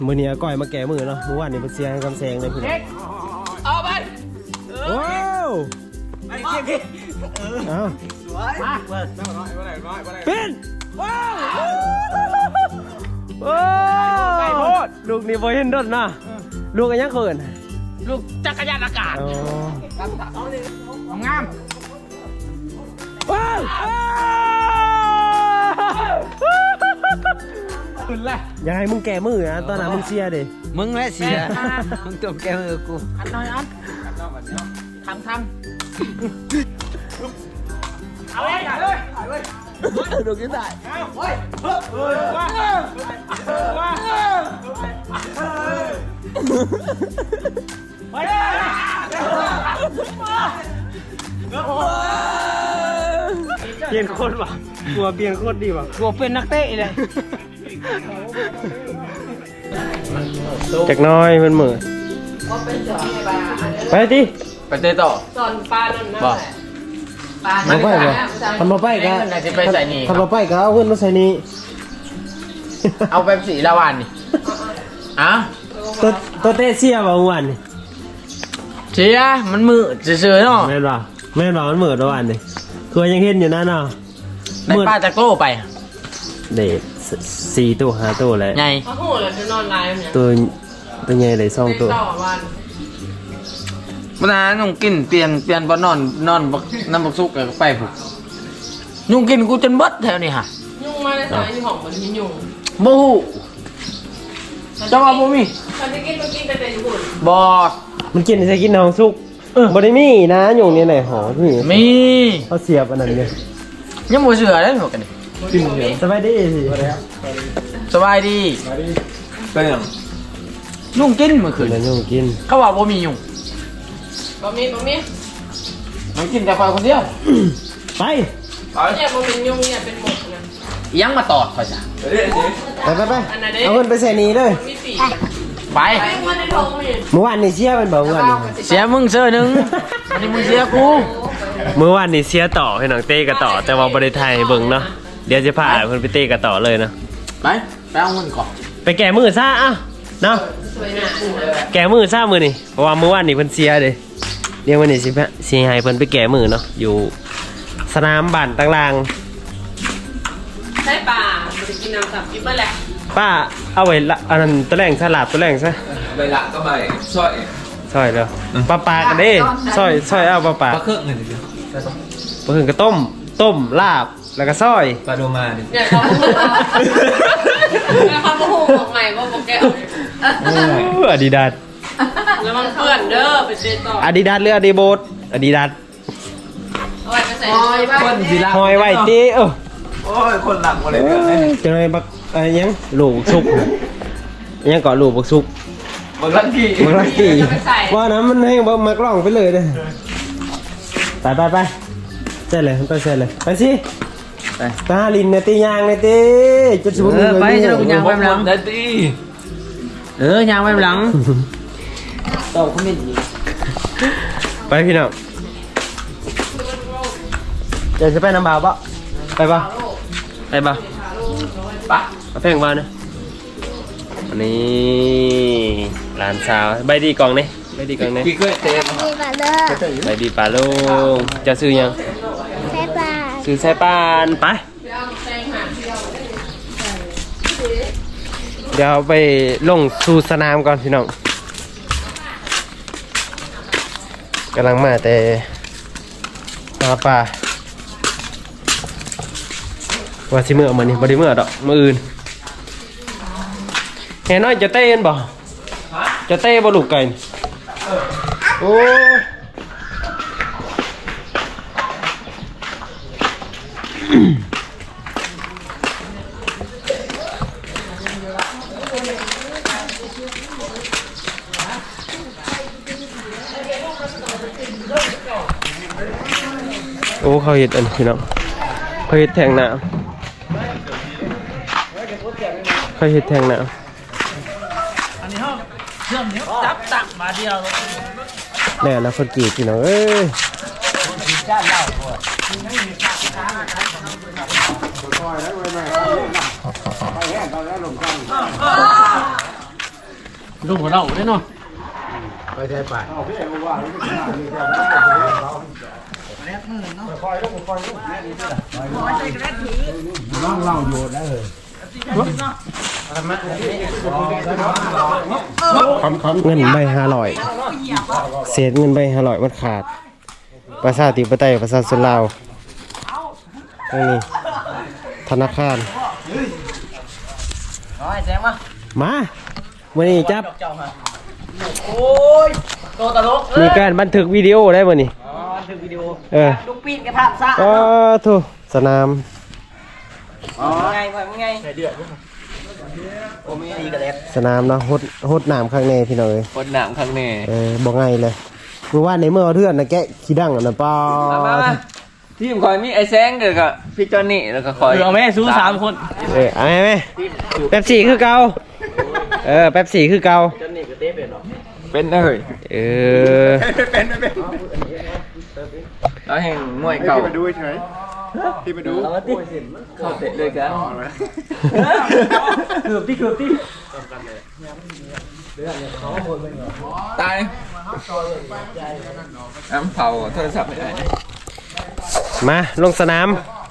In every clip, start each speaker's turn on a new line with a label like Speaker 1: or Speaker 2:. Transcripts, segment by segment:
Speaker 1: มือนี้ก้อยมาแก่มือเนาะเมื่อวานนี่เป็นเสียงกำแซงเลยพี่น้อง
Speaker 2: เอาไป
Speaker 1: ว้าว
Speaker 2: ไอ้เก็บ
Speaker 1: เอา
Speaker 2: สวยมา
Speaker 1: เป็นว้าวโอ้ลูกนี่บ่เห็นดดนะลูกอันยังเขิน
Speaker 2: ลูกจักรยานอากาศงาม
Speaker 1: ว้าว
Speaker 2: ขึ้นเลย
Speaker 1: ยังไงมึงแก่มือนะตอนนั้นมึงเสียดิ
Speaker 3: มึงแหละเสียมึงตัวแกมือกู
Speaker 2: อันน้อยอันทำเอาเลย
Speaker 3: ดูกินได้
Speaker 1: เปลี่ยนโคตรว่ะกลัวเปลี่ยนโคตรดีว่ะ
Speaker 2: กลัวเป็นนักเตะเลย
Speaker 1: จากน้อยมันเหมือนไปดิ
Speaker 3: ไปเตะต่อ
Speaker 4: สอนปลานั่นนะ
Speaker 3: บอก
Speaker 4: ปลา
Speaker 1: มาไปเลยทำมาไปกัน
Speaker 3: น่าจะไปใส่นี่
Speaker 1: ทำมาไปกันเอาขึ้นมาใส่นี่
Speaker 3: เอาไปสีละวันนี่อ่ะ
Speaker 1: ตัวเตะเสียบ่เมื่อวานนี่
Speaker 3: เชียมันมือเฉยๆเนาะ
Speaker 1: แม่นป่ะมันเหมือนเมื่อวานนี่คือยังเห็นอยู่นั่นเนาะ
Speaker 3: ได้ป้าตะโก้ไป
Speaker 1: เด็ด4 ตัว5 ตัวเลย
Speaker 3: ไง
Speaker 4: เขาหูเลยจะนอนไลฟ์เนี่ย
Speaker 1: ตัวใหญ่เลย2 ตัว
Speaker 4: ต่อวัน
Speaker 3: วันนั้นนุ่งกินเปลี่ยนบ่นอนบักน้ำบักซุกกับไปผูกนุ่งกินกูจนเบิดแถวนี้ฮะ
Speaker 4: ยุ่งมากเลยสายที่ของมันมียุ่ง
Speaker 3: บูเจ้าว่าบูมี
Speaker 4: ตอนที่กินแต่ญี่ปุ่น
Speaker 3: บอ
Speaker 1: มันกินใส่กินน้องสุกบ่ได้มีนะอยู่นี่ไหนหอพี่
Speaker 3: มี
Speaker 1: เขาเสียบอันนั้นเลย
Speaker 3: ยังบ่เชื่อได้หมดกันนี่
Speaker 1: สบายดีสิ
Speaker 3: สบายดีเป็นยังนุ่งกินเมื่อคื
Speaker 1: คืน
Speaker 3: น
Speaker 1: นั้นยุ่งกิน
Speaker 3: เขาว่าบ่มียุ่ง
Speaker 4: บะหมี่
Speaker 3: มันกินแต่คอยคนเดียว
Speaker 1: ไป
Speaker 4: เนี่ยบะหมี่ยุ่งเนี่ยเป็นหมดนะ
Speaker 3: ยังมาตอดเขาจ้ะ
Speaker 1: ไปเอาเงินไปใส่นี้เลย
Speaker 4: มีปี
Speaker 3: ไป
Speaker 4: ไปมาในท้องมี
Speaker 1: เมื่อวานนี่เสียเป็นบ่เมื่อวานนี่
Speaker 3: เสียมึงเสื้อหนึ่งอันนี้มึงเสียกู
Speaker 1: เมื่อวานนี่เสียต่อให้น้องเต้กับต่อแต่ว่าบ่ได้ถ่ายให้เบิ่งเนาะเดี๋ยวจะพาเพิ่นไปเต้กับต่อเลยเนาะ
Speaker 3: ไปเอาเงินก่อน
Speaker 1: ไปแก้มือซะอ่ะเนาะ
Speaker 4: สวยหนา
Speaker 1: แก้มือซะมือนี่เพราะว่าเมื่อวานนี่เพิ่นเสียเด้เดี๋ยววันนี้สิให้เพิ่นไปแก้มือเนาะอยู่สนามบ้านต่าง
Speaker 4: ใช่ป่ามันจะกินน้ำสับกินเมื่อไหร่
Speaker 1: ๆป้าเอาไว้ละอันนั้นตัวแรงสลับตัวแรงซะ
Speaker 5: ใบละก็ใบซอย
Speaker 1: ซอยแล้วปลากันเด้ซอยเอาปลา
Speaker 5: ปลาเครื่องเงินดิ
Speaker 1: ปลาถึงก็ต้มลาบแล้วก็ซอย
Speaker 5: ปลาโดมาดิ
Speaker 4: เนี่ยเขาพูดบอกใหม่ว่าบอกแก
Speaker 1: อาดิดาส
Speaker 4: แล้วมันเปื่อนเด้อไปเจอต่อ
Speaker 1: อาดิดาสหรืออาดิโบสอาดิดาส
Speaker 4: เอาไว้ไปใส่ใน
Speaker 5: คนสีละ
Speaker 1: หอยไว้ตี
Speaker 5: โอ้ยคนหลังมาเลยเนี่ย
Speaker 1: จะไงบักอะไรยังลูกซุกยังเกาะลูกบักซุก
Speaker 5: บางลักกี้
Speaker 1: บักลักกี้ว่านะมันให้บักมักล่องไปเลยเด้ไปเสร็จเลยไปเสร็จเลยไปสิไปหาลินเนี่ยตียางเนี่ยตีจะสมมติ
Speaker 3: ไปจะลงยางไปหลัง
Speaker 5: ได้ตี
Speaker 3: ยางไปหลังตอบคอมเมนต์
Speaker 1: ไปพี่น้องจะไปน้ำบ่าวปะไปปะไปปะปะมาเพ่งมาเนี่ยอันนี้ร้านสาวใบดีกล่องนี่ใบดีกล่องนี่
Speaker 5: พี่เคยเตะ
Speaker 1: ใบดีปลาลูกจะซื้อยังซื้อใส่ปานไปเดี๋ยวไปลงสู่สนามก่อนพี่น้องกำลังมาแต่หาปลาว่าสิเมื่อมานี่บ่ได้เมื่อดอกมื้ออื่นแห่น้อยจะเต้นบ่จะเต้บ่ลูกไก่โอ้โอ้เขาเห็ดอันพี่น้องเขาเห็ดแทงน้ำเขาเห็ดแทงน้ำ
Speaker 2: อันนี้ห้องเชื่อมเนี้ยจับตักมาเดียว
Speaker 1: แน่แล้วคนจีบพี่น้องเอ้ย
Speaker 2: จ้าเล่าก่อนลูกของเราได้เนาะ
Speaker 1: เงินใบ500เศษเงินใบ500มันขาดประชาธิปไตยประชาชนลาวนี่ธนาคารมาวันนี้จับมีการบันทึกวิดีโอได้บ่นี่บันทึกวิดีโอลูกปีนกระทะซะถูกสนามสนามเนาะฮดน้ำข้างในพี่น้องเอ้ย
Speaker 5: คนหนังข้างใน
Speaker 1: บอกไงเลยเมื่อวานในเมื่อเทื่อนนะแกะขี้ดังอ่ะนะป้า
Speaker 5: ทีมคอยมีไอ้แซงเด็กกับพี่จอนนี่แล้วก็คอย
Speaker 2: เอาแม่สู้3 คน
Speaker 1: เอาไหมแป๊บสี่คือเก่าแป๊บสี่คือเก่า
Speaker 5: เป็นเลย
Speaker 3: เป็น
Speaker 5: แล้วแห่งมวยเก่าที่มาดูเฉยที่มาดูเข้าเตะเลยกันเกือบที่ตายน้ำเผาโทรศัพท์ไม่ได้
Speaker 1: มาลงสนาม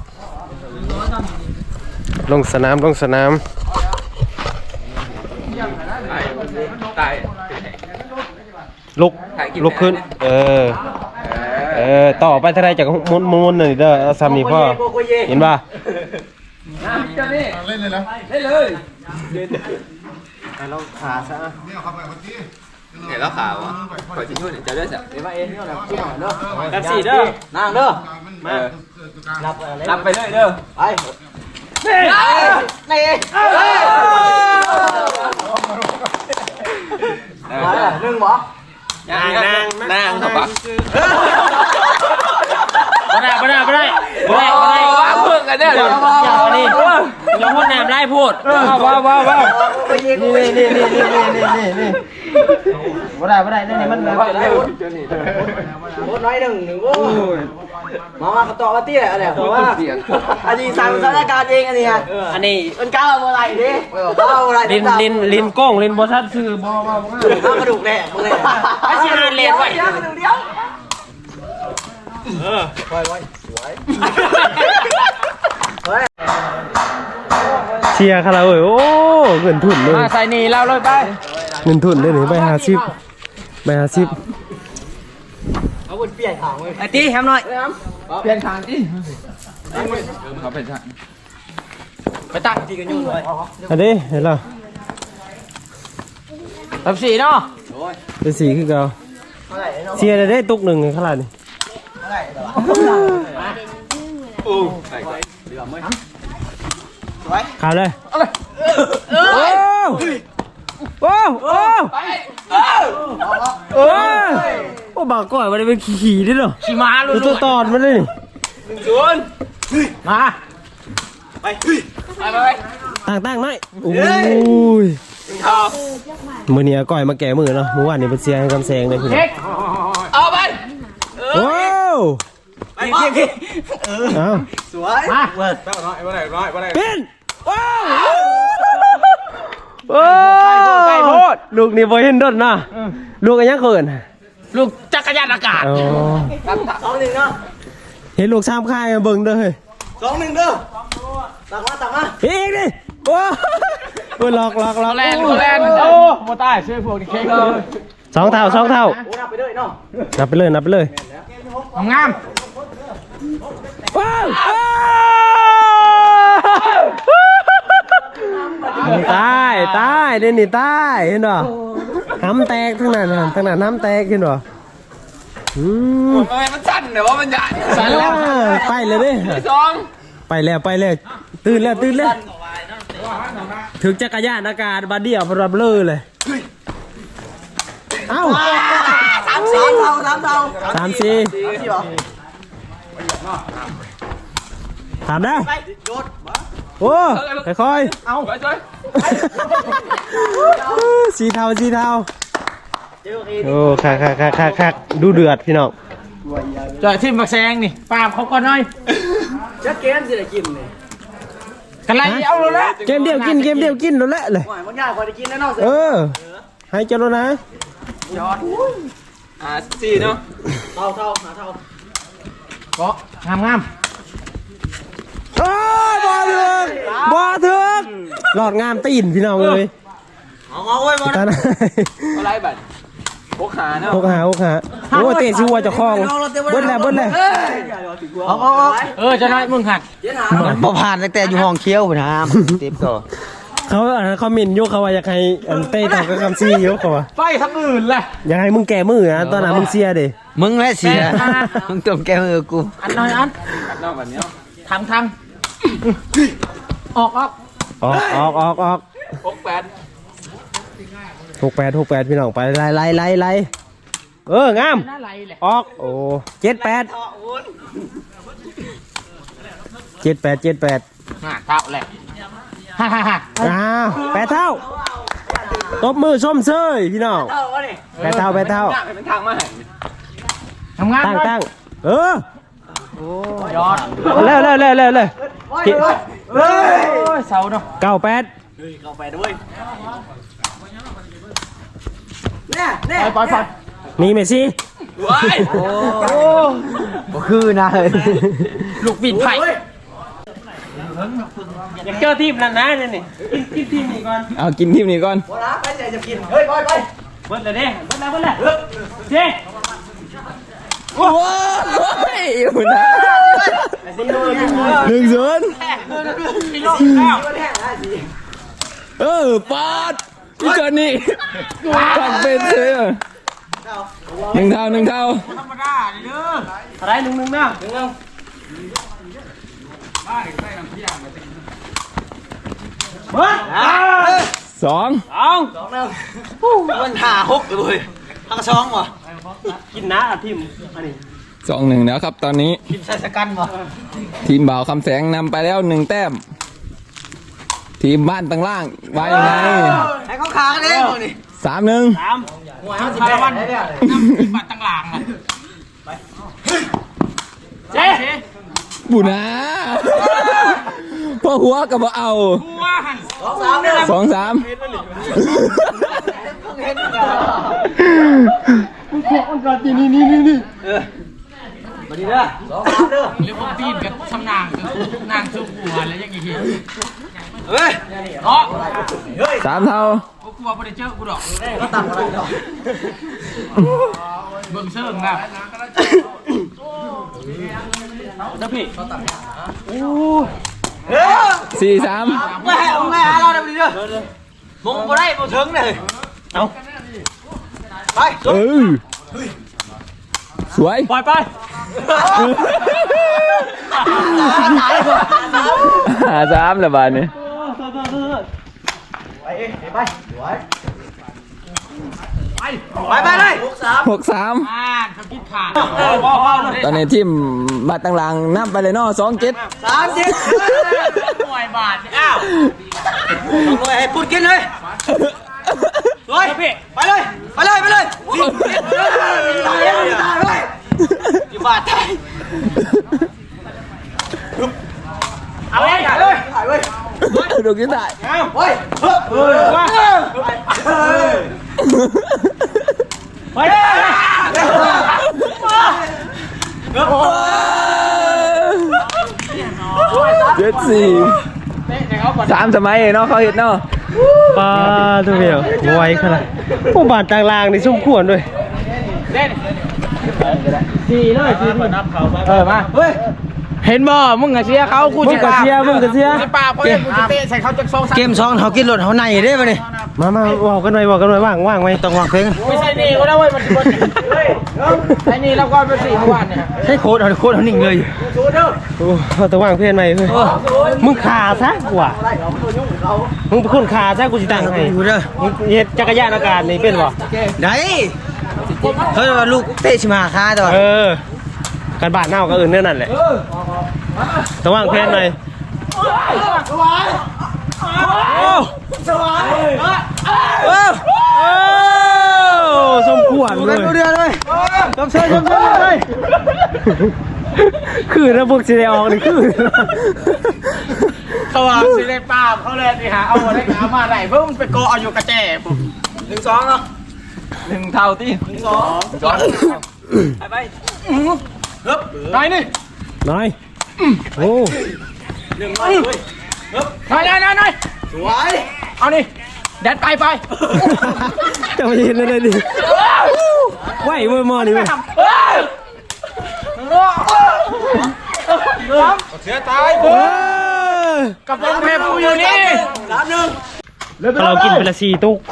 Speaker 1: ลงสนาม
Speaker 5: ตาย
Speaker 1: ลุกขึ้นต่อไปเท่าไรจากมุนหน่อยเด้อเอาซ้ำนี่พ่อเห็นป่ะ
Speaker 5: พี่จอนนี่เล่นเลยนะเล่นเลย
Speaker 1: เราขาซะ
Speaker 5: เห็นแล้วขาวอ่ะขอชิ้นนู้นจะได้สัก
Speaker 2: แป๊บ4เด้อ
Speaker 3: นั่งเด้อ
Speaker 5: มานับไปเลยเด้อไป
Speaker 3: นี่หนึ่งบ่
Speaker 5: นางครับปะ
Speaker 2: บ่ได้เพิ่งกันเด้อนี่อย่าพูดน้ำไล่พูดว้าว
Speaker 1: บ่ได้นี่มันเลย
Speaker 3: โคตรน้อยหนึ่งโว้มาต่อมาตี้อะไรเพราะว่าอันนี้สั่งสถานการณ์เองอันนี้
Speaker 2: อันนี้
Speaker 3: มันก้าวอะไรดิก้าวอะไร
Speaker 1: ลินกล้องลินบอทัดซื้อบ่
Speaker 3: ข้าวกระดูกแน่มึงเลย
Speaker 2: ไม่ใช่งานเรียนไว้
Speaker 3: เดี๋ยว
Speaker 1: เชียร์คาราโอเกะโอ้เงินทุนเลย
Speaker 2: มาใส่นี่เราเลยไป
Speaker 1: เงินทุนเลยนี่ใบ50
Speaker 2: ไอ้ตีแฮมหน่อย
Speaker 5: เปลี่ยนทางที่เขาเป็นทาง
Speaker 2: ไปตั้งทีกันยุ่งเลย
Speaker 1: อันนี้เห็นแล้ว
Speaker 2: แป๊บ4เนาะ
Speaker 1: เป็นสีคือเก่าเชียร์ได้ตุกหนึ่งขนาดนี้ข่าวเลยโอ้บางก่อยมันเป็นขี่ดิเนาะ
Speaker 2: ขี่ม้าลุ้น
Speaker 1: ตัวตอนมันเลย
Speaker 2: มาไป
Speaker 1: ตั้งหน่อยโอ้ยมือนี้ก่อยมาแก่มือเนาะเมื่อวานนี้เป็นเสียงกำแซงเลยพี่
Speaker 2: เอาไป
Speaker 1: ว้าวเอา
Speaker 3: สวยมา
Speaker 1: เป็นว้าวโอ้ลูกนี่บ่เห็นดนนะลูกอันยังเขิน
Speaker 2: ลูกจักรยานอากาศ
Speaker 3: 2-1เนาะ
Speaker 1: เห็นลูกซ้ำค่ายเบิ่งเด้อเฮ้ย
Speaker 3: 2-1เด้อตักมา
Speaker 1: อีกดิโอ้ยหลอก
Speaker 2: แลนโอ้โมตายช่วยพวกนี้เค้กเลย
Speaker 1: สองเท่า
Speaker 3: โอ้นับไปด้วยเนาะ
Speaker 1: นับไปเลย
Speaker 2: งาม
Speaker 1: ว้าวตายเด่นนี่ตายเห็นบ่ห้ำแตกทั้งนั้นน้ำแตกเห็นบ่
Speaker 5: มันสั่นแต่ว่ามันใหญ่
Speaker 1: สั่นแล้วไปเลยดิ
Speaker 5: 2
Speaker 1: ไปแล้วตื่นแล้วถึงจักรยานอากาศบาดเดียวพรับเลยเอ้า3-4ถามได้โอ้ค่อยๆเอาสีเทาโอ้คักดูเดือดพี่น้อง
Speaker 2: จอยทิมบักแซงนี่ปาบเขาก่อนหน่อย
Speaker 3: จะเกมสิได้กินนี่
Speaker 2: กันไรเอาเลยละ
Speaker 1: เกมเดียวกินแล้วแหละเลย
Speaker 3: หวานมันยากกว่าได้กินแน่นอนสิ
Speaker 1: ให้เจ้าแล้วนะ
Speaker 2: สี่เนาะ
Speaker 3: ก็งาม
Speaker 1: เอ้ยบ่ถึงหลอดงามตีนพี่น้องเลยเอาไว้บ่นะ
Speaker 2: อะไรบัดพกหาเนาะ
Speaker 1: หกหาโอ้เตะชัวจะคล้องเบิ้ลแล้ว
Speaker 3: จะน้อยมึงหัดบ่ผ่านแต่อยู่ห้องเคี้ยวนะเต็มต่อ
Speaker 1: เขาเขามินยุเขาว่าอยากให้เต้ต่อกับคำซียุเขาว่า
Speaker 3: ไปทั้งอื่นแหละ
Speaker 1: อยากให้มึงแก่มือนะตอนนั้นมึงเสียดิ
Speaker 3: มึงแหละเสียมึงต้องแก้มือกูอันน้อยอัน
Speaker 2: กัดนอกแบบนี้
Speaker 3: ทางออก
Speaker 2: พกแปด
Speaker 1: 68พี่น้องไปไล่งามออกโอ้78
Speaker 3: เท่าแหละฮ่า
Speaker 1: อ้าว8 เท่าตบมือส้มเซยพี่น้อง8 เท่า
Speaker 2: เป็นทางมาให้
Speaker 3: ทำงาน
Speaker 1: ตั้ง
Speaker 3: ยอด
Speaker 1: เร็ว
Speaker 3: เสาเนาะ
Speaker 1: 98
Speaker 3: ปล่อย
Speaker 1: มีเมสซี่
Speaker 2: ว้าย
Speaker 3: บ่คือนะเฮ้ยลูกบิดไผ่
Speaker 1: อยากเจอทีมนั้นนะนี่กินทีมนี้ก่อน
Speaker 2: เอากินทีมนี้ก่อน
Speaker 1: เบิ้ลเลยเด้เบิ้ลเจ๊
Speaker 2: โอ้ยอยู่นะ1-0ปาดพี่จอนนี่ตักเป็นเลย1 เท่า
Speaker 1: อะไร1-1นะเบิ้ล
Speaker 2: 2
Speaker 3: มันหาฮกเลยทางช่องวะ
Speaker 1: กินนะทีมอันนี้
Speaker 2: 2-1แล้วครับตอนนี้
Speaker 3: กินใส่สกันวะ
Speaker 2: ทีมบ่าวคำแสงนำไปแล้ว1 แต้ม ทีมบ้านตั้งล่างว่ายังไง
Speaker 3: ให้เขาขากันเองนี่
Speaker 2: 3-1
Speaker 1: 3
Speaker 3: 50 วันน้ำบัตรต่างหลังเจ๊
Speaker 2: บุนะพ่อหัวกับบ่เอา2-3
Speaker 3: มาดีเด้อ2-3เด้อเรียกว่าตีนกับชำนางชุบหัวแล้วยังอีกเฮ้ยเนาะ
Speaker 2: 3 เท่า
Speaker 3: กูว่าบ่ได้เจอกูดอกก็ตัดอะไรดอกเบิ่งเชิงนะ
Speaker 1: เจ้าพี่
Speaker 2: 4-3
Speaker 3: ไม่หาเราได้บ่ดีเด้อมึงบ่ได้บ่ถึงเลยเอาไป
Speaker 2: สวย
Speaker 1: ปล่อยไป
Speaker 2: 5-3แล้วบาดนี้
Speaker 3: ไปเลย
Speaker 2: 6-3
Speaker 3: เขาคิดขาด
Speaker 2: ตอนนี้ทีมบ้านตั้งล่างนำไปเลยเนาะ2-7
Speaker 3: 3-7หน่วยบาทอ้าวหน่วยให้พูดกินเลยเลยไปเลยอยู่บาทไทยเอาเลยถ่ายเลย
Speaker 2: ดูกินได้
Speaker 3: เฮ้ย
Speaker 2: 3 สมัยเนาะเขาเห็นเนาะ
Speaker 1: ปลาตัวเดียวไวขนาดผู้บาดต่างลางนี่สมควรด้วยมาเฮ้ย
Speaker 3: เห็นบ่มึงกับเชียเขากู
Speaker 1: มึงกับเชียร์
Speaker 3: ปากเพราะกูจะเตะใส่เขาจะ2-3เกม2เขากินรถเขาในได้ป่ะนี่
Speaker 1: มาบอกกันหน่อยว่างไหม
Speaker 3: ต้องวางเพลงไม่ใช่นี่ก็ได้เว้ยมันไอ้นี่เราก็ไป4 เมื่อวานเนี่ยใช่โค้ดเขานิ่งเลย
Speaker 1: โอ้ต้องว่างเพื่อนไหมเฮ้ยมึงขาซะกว่ามึงเป็นคนขาซะกูจะตั้งให้มึงเฮ็ดจักรยานอากาศนี่เป็นบ่
Speaker 3: ได้เฮ้ยลูกเตะชิมาค่าตัว
Speaker 1: การบาดเน่าก็อื่นนั่นแหละต้องว่างเพื่อนไหมสมควรเลย
Speaker 3: เดือนเลยจำเชิญเลย
Speaker 1: คือระบบสีแดงนี่คือ
Speaker 3: เขาว่าสิได้ป้าเขาเลยสิหาเอาอะไรเอามาไหนเพิ่งไปโกเอาอยู่กระแจปุ๊บ 1-2เนาะ1เท่าที่1-2ไปฮึบนายนี่
Speaker 1: น้อยโอ้
Speaker 3: นายสวยเอานี่แดดไป
Speaker 1: จะมายินเลยดิไหวเว้ยมอนี่เว้ย
Speaker 3: เสียตาย กับน้องแพรปูอยู่นี่3-1
Speaker 1: เรากินเป็นละ4ตุ๊ก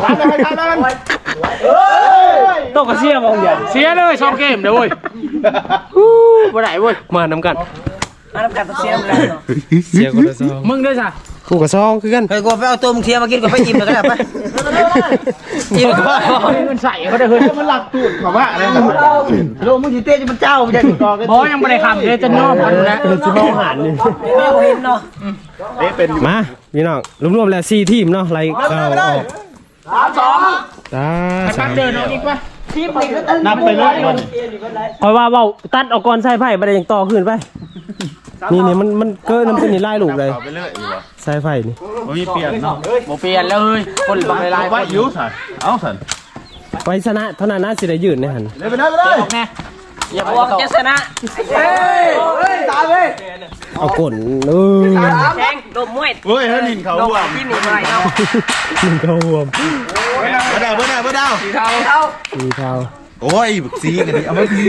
Speaker 1: ตุ๊กกระเสียบ่อย่าง
Speaker 3: เสียเลย2เกมเด้อเว้ยบ่ได้เว้ย
Speaker 1: มานำกัน
Speaker 2: เสียกันเนาะ
Speaker 1: เสียคนละซอง
Speaker 3: มึงด้วยจ้ะ
Speaker 1: กูกับซองคือกัน
Speaker 2: เฮ้ยกูไปเอาตัวมึงเทียมมากินกับไปอิ่มแล้วก็ได้ไปอิ่มก็
Speaker 3: มันใส่เขาได้เฮ้ยมันหลักตูดของว่าอะไรโลมึงสิเต้จะมันเจ้าจะกองบ่ยังบ่ได้คำเลยจะน้อมมันนะ
Speaker 1: สิมาอาหารนี่
Speaker 2: ไม่เห็นเนาะ
Speaker 1: มาพี่น้องรวมๆแล้ว4ทีมเนาะไล่เข้าออก
Speaker 3: 3-2
Speaker 1: ตา
Speaker 3: ไปเดินเอาอีกป่ะ
Speaker 1: นับไปเลยคอยว่าเว้าตัดออกก่อนใส่ไผ่บ่ได้ยังต่อขึ้นไปนี่มันเกินน้ำเป็นนี่ไล่ลูกเลยใส่ไผ่นี่
Speaker 3: บ่เปลี่ยนแล้วเฮ้ยคนบางหลายๆคนอยู่ซั่นเอาซั่น
Speaker 1: ไปชนะเท่านั้นน่าสิได้ยืนในหัน
Speaker 3: เลยไปเลยแน่
Speaker 2: อย่าบอกจะชนะ
Speaker 3: ตายเว้ย
Speaker 1: เอาก่น
Speaker 2: แข่งดมมวย
Speaker 5: เฮ้ยถ้าลินเขา
Speaker 2: ดมที่หนีอะไรเนาะ
Speaker 1: มึงเข้ารวม
Speaker 5: เบอร์ดาว
Speaker 1: มีเท้า
Speaker 5: โอ้ยบึกซีกันดิเอามาซี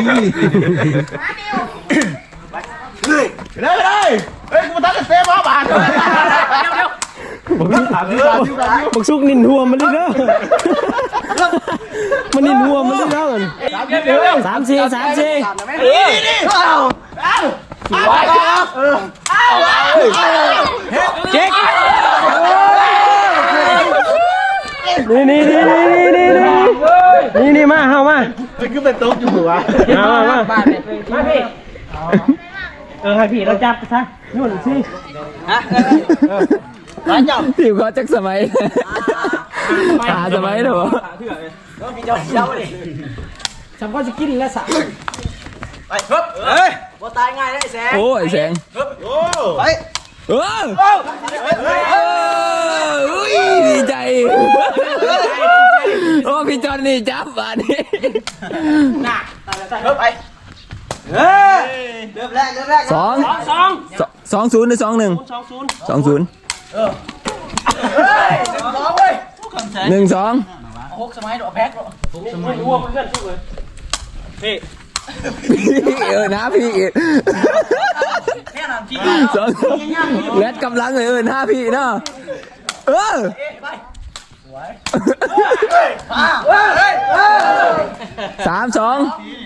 Speaker 5: เลยเฮ้ยกูมาทักกันเซฟบาท
Speaker 1: บักซุกนินหัวมันเลยเด้อมันนินหัวมันเลยเด้อ3-4เจ๊กนี่มาเฮามา
Speaker 5: มันคือเป็นโต๊ะอยู่วะ
Speaker 1: มาพี่ให้พี่เราจับซะนู่นสิ
Speaker 3: ทีมเขาจักสมัยหาสมัยเหรอฉันก็จะกินแล้วสะไปฮึบเฮ้ยบ่ตายง่ายได้แสงโอ้ยแสงฮึบไปอุ้ยดีใจโอ้พี่จอนนี่จับบ้านนี่น่ะฮึบไปเฮ้ยเริ่มแรก2-0หรือ2-1 2-0 1-2 6สมัยดอกแพ็คนะพี่2แรดกำลังเลยนะพี่เนาะ3-2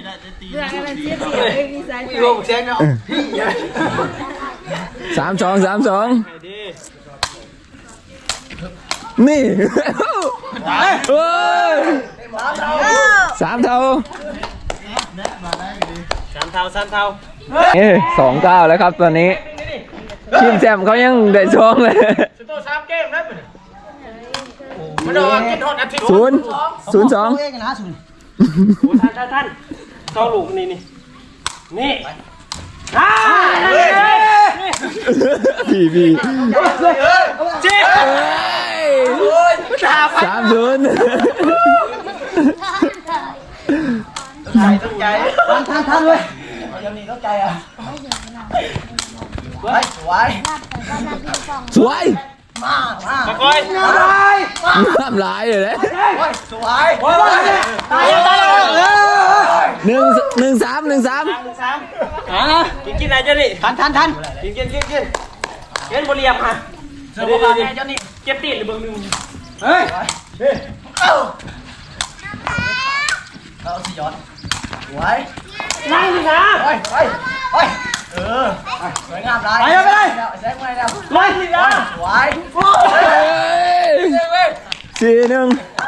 Speaker 3: นี่3 เท่า2-9แล้วครับตอนนี้ทีมแซมเขายังได้ช่องเลย0-2
Speaker 1: ท่านเจ้าลูกนี่
Speaker 3: พี่เจ๊3-0ใจท่านเลยยังนี่ต้องใจอ่ะสวยมาคอยน้ำลายเลยนะสวยตาย1-3
Speaker 1: กินอะไรเจ้านี่
Speaker 3: ทัน
Speaker 1: กินบริยามค่ะเจ้านี่เก็บตีนหรือเบิ่งนึง
Speaker 3: เฮ้ยเอาสิย้อนสวย
Speaker 1: นั่งสินะ
Speaker 3: ไปสวยงามเลยไปเลยแซงไปแล้ว
Speaker 1: นั่งสินะ
Speaker 3: สวย4-1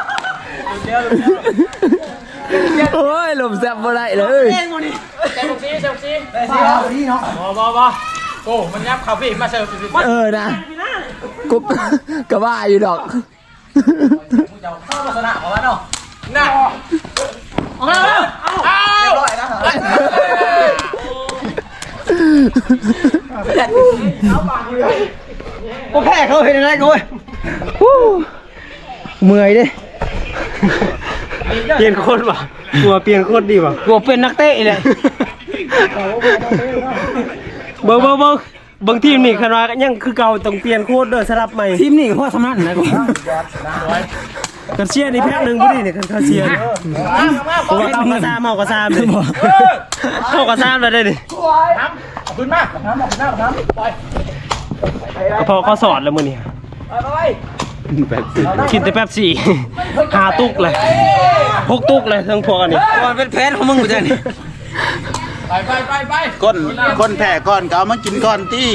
Speaker 3: โอ้ยหลบแซ่บบ่ได้เลย
Speaker 1: เซลซี่
Speaker 3: นี่เนาะ
Speaker 1: บ่โอ้มันยับเขาพี่มาเสิร์ฟ
Speaker 3: นะกุ๊บก็ว่าอยู่ดอกจะเข้าลักษณะของมันเนาะน่ะเอาเรียบร้อยนะก็แพ้เขาเห็นอะไรกูเมื่อยดิ
Speaker 1: เปลี่ยนโคตรว่ะกลัวเปลี่ยนโคตรดีว่ะ
Speaker 3: กูเป็นนักเตะเลย
Speaker 1: เบิ่งทีมนี่คันว่ายังคือเก่าต้องเปลี่ยนโคตรเด้อสลับใหม่
Speaker 3: ทีมนี่ก็พอสำนักนะกู
Speaker 1: กันเชียร์นี่แพ็คหนึงบ่ดีนี่กันเขาเชียร์เพราะว่าเอากระซามเอากระซามเลยเอากระซามเลยได้ดิพอเขาสอนแล้วมื้อนี้กินแต่แป๊บซี่5ตุกเลย6ตุกเลยทั้งพวกอันนี้
Speaker 3: มันเป็นแผนของมึงกูจะนี่
Speaker 5: ก้นแผ่ก้อนก็เอามากินก้อนตี้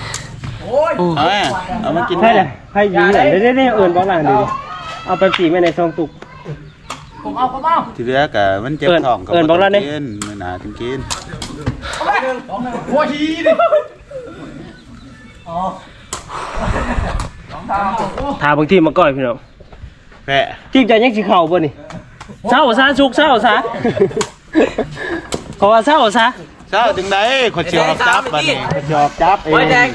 Speaker 5: เอามากิน
Speaker 1: ใช่เลยให้ยิงเลยได้เอิญบอกหลังดิเอาแป๊บซี่ไว้ในซองตุก
Speaker 5: ที่เหลือกะมันเจ็บท้องก็
Speaker 1: เอิ้นบอกแล้วนี่
Speaker 5: กินมื้อหน้าถึงกิน
Speaker 1: ถาบางทีมาก่อยพี่น้อง
Speaker 5: แผ่
Speaker 1: ทีมใจยังสิเข่าบ่นี่เศร้าซะชุกเศร้าซะขอว่าเศร้าซะ
Speaker 5: เช้าถึงได้ขอเชียวจับบัดนี้ขอเชียวจับเอง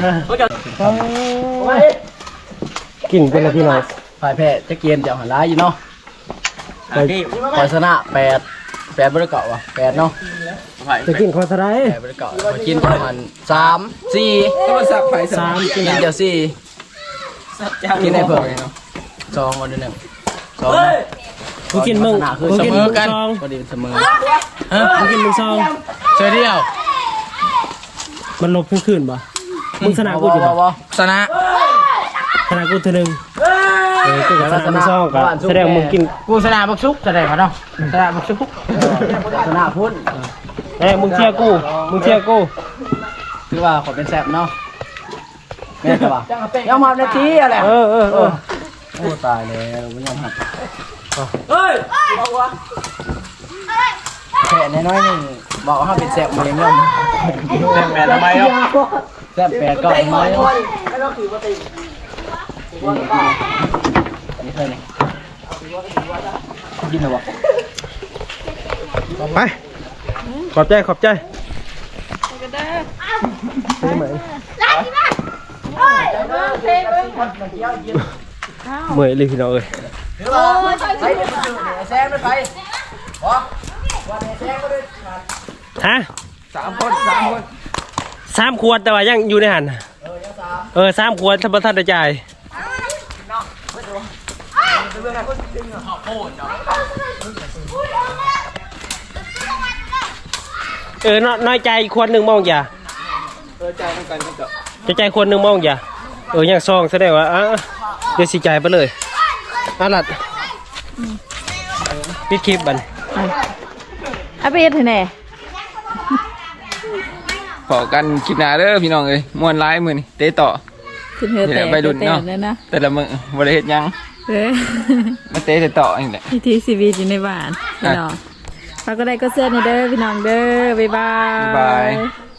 Speaker 1: กินเป็นละพี่น้อง
Speaker 3: ฝ่ายแพ้จะเกียนจะหันร้ายอยู่เนาะฝ่ายชนะ8บริเกาะวะ8เนาะ
Speaker 1: จะกินคอสไลด์
Speaker 3: 8บริเกาะฝ่ายกินประมาณ3 4ก็สับฝ่าย3กินเดียว4กินได้เพิ่มเนาะ2วันนึง2
Speaker 1: กูกินมึง
Speaker 3: คือ
Speaker 1: กู
Speaker 3: เส
Speaker 1: กิน
Speaker 3: ม
Speaker 1: มึ
Speaker 3: อง กัน
Speaker 1: ซอง
Speaker 3: พอดีเสมอ
Speaker 1: กูกินมึงซอง
Speaker 3: เฉยเดียว
Speaker 1: มันลบขึ้นป่ะมึงชนะกูอยู่ป่ะ
Speaker 3: ชนะ
Speaker 1: ชนะกูเท่านึงกูกับชนะมึงซองกับแสดงมึงกิน
Speaker 3: กูชนะบักชุกแสดงเขาเนาะชนะบักชุกชนะพุ่น
Speaker 1: มึงเชียร์กู
Speaker 3: คือว่าขอเป็นแซ่บเนาะแม่จะว่ายังมาในทีอะไรโอ้ตายแล้วมันยังหักแค่น้อยๆนึงบอกว่าเป็นแซ่บเองย่อม
Speaker 5: แผ่แผ่ทำไมครับ
Speaker 3: แซ่บ8ก็น้อยนี่เคยนี่กินหรอวะ
Speaker 1: ไปขอบใจเมื่อยเลยพี่น้องเอ้ย
Speaker 3: แซงไป
Speaker 1: ฮะ3 ขวดแต่ว่ายังอยู่ในหัน3 ขวดถ้าประทัดจ่ายน้อยใจขวดหนึ่งมองอย่าจะใจขวดหนึ่งมองอย่ายังซองแสดงว่าเดี๋ยวสิจ่ายไปเลยลัดปิดคลิปบัน
Speaker 4: เอาไปเฮ็ดให้แน่
Speaker 2: ขอกันคลิปหน้าเด้อพี่น้องเอ้ยม่วนร้ายมื้อนี้เตะต่อ
Speaker 4: ขึ้นเฮือ
Speaker 2: นี่แห
Speaker 4: แต่
Speaker 2: ละไปรุ่นเนาะ
Speaker 4: แต่นะ
Speaker 2: แต่ละมื้อบ่ได้เฮ็ดหยัง
Speaker 4: เฮ้ย
Speaker 2: มาเตะต่อนี่แหละ
Speaker 4: วิธีชีวิตอยู่ในบ้านพี่น้องฝากก็ได้ก็เสื้อในเด้อพี่น้องเด้อบ๊ายบาย
Speaker 2: บ๊ายบาย